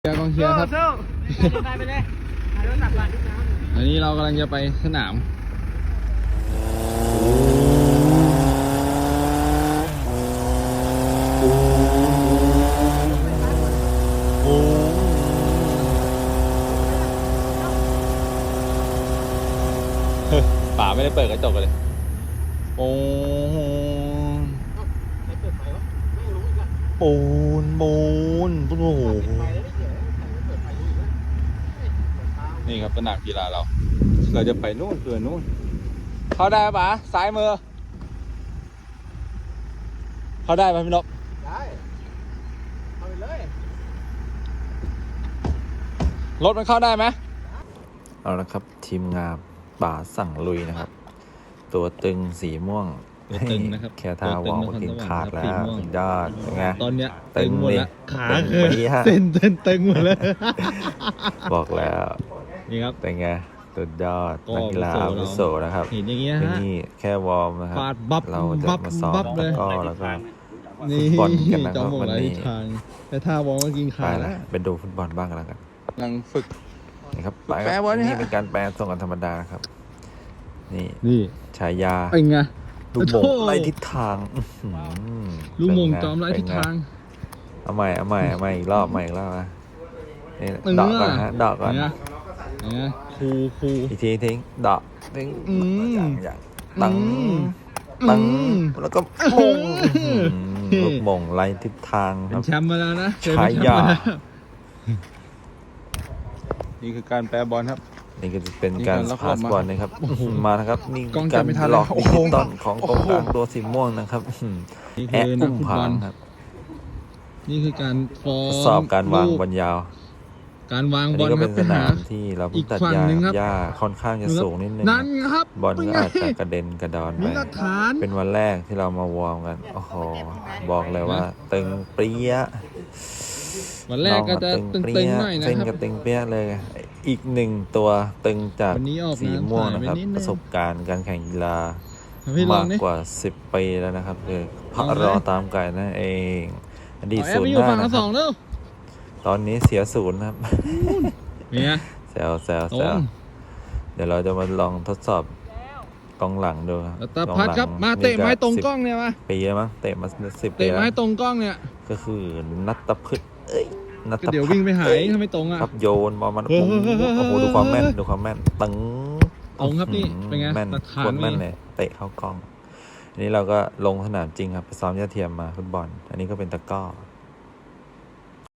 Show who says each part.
Speaker 1: เชียร์กองเชียร์ครับ
Speaker 2: ไปเลยถ่ายรถสับก่อน
Speaker 1: อันนี้เรากำลังจะไปสนามป่าไม่ได้เปิดกระจกเลยโอ้ปูนโอ้โหนี่ครับสนามกีฬาเราจะไปนู่นเพื่อนู่นเข้าได้ปะซ้ายมือเข้าได้ไหมพี่นก
Speaker 2: ได้เอาไปเลย
Speaker 1: รถมันเข้าได้ไหม
Speaker 3: เอาละครับทีมงานป่าสั่งลุยนะครับ ตัวตึงสีม่วง
Speaker 1: ตัวตึงนะครับ
Speaker 3: แค่ท่าวอลก็กินขาดแล้วสุดยอดเป็นไง
Speaker 1: ตอนเนี้ย
Speaker 3: ตึ
Speaker 1: ตึ
Speaker 3: ง
Speaker 1: งหมด
Speaker 3: ดิ
Speaker 1: แล้วขา
Speaker 3: ตึง
Speaker 1: คือ
Speaker 3: ปี๊ะ
Speaker 1: เส้นตึงหมดเลย
Speaker 3: บอกแล้ว
Speaker 1: นี่ครับ
Speaker 3: เป็นไงสุดยอด
Speaker 1: ก็
Speaker 3: นักกีฬาอาวุโสนะครับ
Speaker 1: เห็นอย่างเงี้ยฮะ
Speaker 3: นี่แค่วอร์มนะครับ
Speaker 1: ฟาดบับ
Speaker 3: เราจะ
Speaker 1: บับ
Speaker 3: มาซ้อม
Speaker 1: บับเลย
Speaker 3: ตะกร้อแล้วก็
Speaker 1: นี่
Speaker 3: ฟุตบอลกันนะค
Speaker 1: จอ
Speaker 3: รั
Speaker 1: ม
Speaker 3: บ
Speaker 1: หมด
Speaker 3: วัน
Speaker 1: หลาย
Speaker 3: นี้
Speaker 1: ทางแต่ท่าวองก็กิน
Speaker 3: ไป
Speaker 1: ขาด
Speaker 3: ละ
Speaker 1: แล้ว
Speaker 3: ไปดูฟุตบอลบ้างกันแล้วกัน
Speaker 1: กำลังฝึก
Speaker 3: นี่ครับ
Speaker 1: แปลว่าเนี่ย
Speaker 3: นี่เป็นการแปลส่งกันธรรมดาครับ นี่
Speaker 1: นี่
Speaker 3: ฉายา
Speaker 1: เป็นไง
Speaker 3: ลูกโป่ง
Speaker 1: โอ้โห
Speaker 3: ไล่ทิศทางอื้อหือ
Speaker 1: ลูกโมง
Speaker 3: เป็นไ
Speaker 1: จอมไร้ทิศทาง
Speaker 3: เอาใหม่อีกรอบนะนี่
Speaker 1: ตึง
Speaker 3: ดอกก่อน
Speaker 1: อ่ะ
Speaker 3: ฮะดอกก่อน
Speaker 1: เนี่ยเนี่ยครู
Speaker 3: อีกทีทิ้งดอกทิ้ง
Speaker 1: อืม
Speaker 3: อย่างตัง
Speaker 1: อืม
Speaker 3: ตัง
Speaker 1: อืม
Speaker 3: แล้วก็มงลูกโป่งไล่ทิศทางค
Speaker 1: เป็
Speaker 3: รั
Speaker 1: น
Speaker 3: บ
Speaker 1: แชมป์มาแล้วนะเคย
Speaker 3: ฉา
Speaker 1: เป็นแชมป์
Speaker 3: ยา
Speaker 1: มาแล้วนี่คือการแปรบอลครับ
Speaker 3: นี่ก็จะเป็นการ
Speaker 1: นี่การล็อก
Speaker 3: พาส
Speaker 1: มา
Speaker 3: บอลนะครับมานะครับนี่
Speaker 1: กล้อง
Speaker 3: การ
Speaker 1: จับไม่ทัน
Speaker 3: หลอก
Speaker 1: โอ้
Speaker 3: ดิ
Speaker 1: โห
Speaker 3: จิตอลของกองกลางตัวสีม่วงนะครับ
Speaker 1: นี่
Speaker 3: แอะ
Speaker 1: คือนั
Speaker 3: อุ้
Speaker 1: ก
Speaker 3: ม
Speaker 1: ฟุต
Speaker 3: ผา
Speaker 1: บอล
Speaker 3: งครับ
Speaker 1: นี่คือการฟ้อ
Speaker 3: ท
Speaker 1: ง
Speaker 3: ดสอบการวาง
Speaker 1: ลู
Speaker 3: บอลยาว
Speaker 1: การวาง
Speaker 3: อัน
Speaker 1: บอ
Speaker 3: นี้
Speaker 1: ล
Speaker 3: ก็
Speaker 1: ค
Speaker 3: เป็
Speaker 1: รับ
Speaker 3: น
Speaker 1: ไป
Speaker 3: ส
Speaker 1: หา
Speaker 3: นามที่เรา
Speaker 1: อี
Speaker 3: เพิ่ง
Speaker 1: ก
Speaker 3: ตัด
Speaker 1: ฝั่ง
Speaker 3: หญ้า
Speaker 1: หนึ่งครับ
Speaker 3: หญ้าค่อนข้างจะสูงนิดนึง
Speaker 1: นั่นครับ
Speaker 3: บอล
Speaker 1: เป็น
Speaker 3: ก็
Speaker 1: ไง
Speaker 3: อาจจะกระเด็นกระดอนไป
Speaker 1: มีหลักฐาน
Speaker 3: เป็นวันแรกที่เรามาวอร์มกันโอ้โหบอกเลยว่าตึงเปรี้ย
Speaker 1: วันแรกก็จะตึงๆหน่อยนะ
Speaker 3: เส้น
Speaker 1: ครับ
Speaker 3: กับตึงเปรี้ยเลย อีกหนึ่งตัวตึงจาก
Speaker 1: วันนี้ออก
Speaker 3: สี
Speaker 1: งาน
Speaker 3: ม่วง
Speaker 1: ถ่าย
Speaker 3: นะครับ
Speaker 1: ไปนิดนึง
Speaker 3: ประสบการณ์การแข่งกีฬา
Speaker 1: พี่ลอ
Speaker 3: มาง ก
Speaker 1: ดิ
Speaker 3: กว่า10 ปีแล้วนะครับคือพ
Speaker 1: ลอง
Speaker 3: ระ
Speaker 1: เลย
Speaker 3: รอตามไก่นั่นเองอดีต
Speaker 1: เอาแอ
Speaker 3: ศู
Speaker 1: บ
Speaker 3: น
Speaker 1: ไป
Speaker 3: ย์
Speaker 1: อยู่
Speaker 3: หน้า
Speaker 1: ฝั่ง
Speaker 3: นะ
Speaker 1: ละ
Speaker 3: ค
Speaker 1: ส
Speaker 3: รั
Speaker 1: อบ งเร็ว
Speaker 3: ตอนนี้เสียศูนย์ครับ
Speaker 1: เนี่ย
Speaker 3: แซว
Speaker 1: ตรง
Speaker 3: เดี๋ยวเราจะมาลองทดสอบกองหลังดูครับ
Speaker 1: แล้วตาพัดครับมาเตะไม้ตรงกล้องเนี่ยมา
Speaker 3: 10 ปีแล้วมั้งเตะมา10 ปี
Speaker 1: เตะ
Speaker 3: แล้ว
Speaker 1: ไม้ตรงกล้องเนี่ย
Speaker 3: ก็คือนัตตพืชนัต
Speaker 1: ก็
Speaker 3: ต
Speaker 1: เดี๋ยว
Speaker 3: พั
Speaker 1: วิ่
Speaker 3: ฒ
Speaker 1: ง
Speaker 3: น์
Speaker 1: ไปหายถ้าไม่ตรงอ่ะ
Speaker 3: ครับโยนบอลมัน
Speaker 1: เฮ้ย
Speaker 3: โอ้โหดูความแม่นตึง
Speaker 1: ตรงครับนี่เป็นไง
Speaker 3: แม่น
Speaker 1: หลักฐา
Speaker 3: โคน ตร
Speaker 1: มี
Speaker 3: แม่นเลยเตะเข้ากล้องอันนี้เราก็ลงสนามจริงครับไปซ้อมยาเทียมมาฟุตบอล อันนี้ก็เป็นตะกร้อ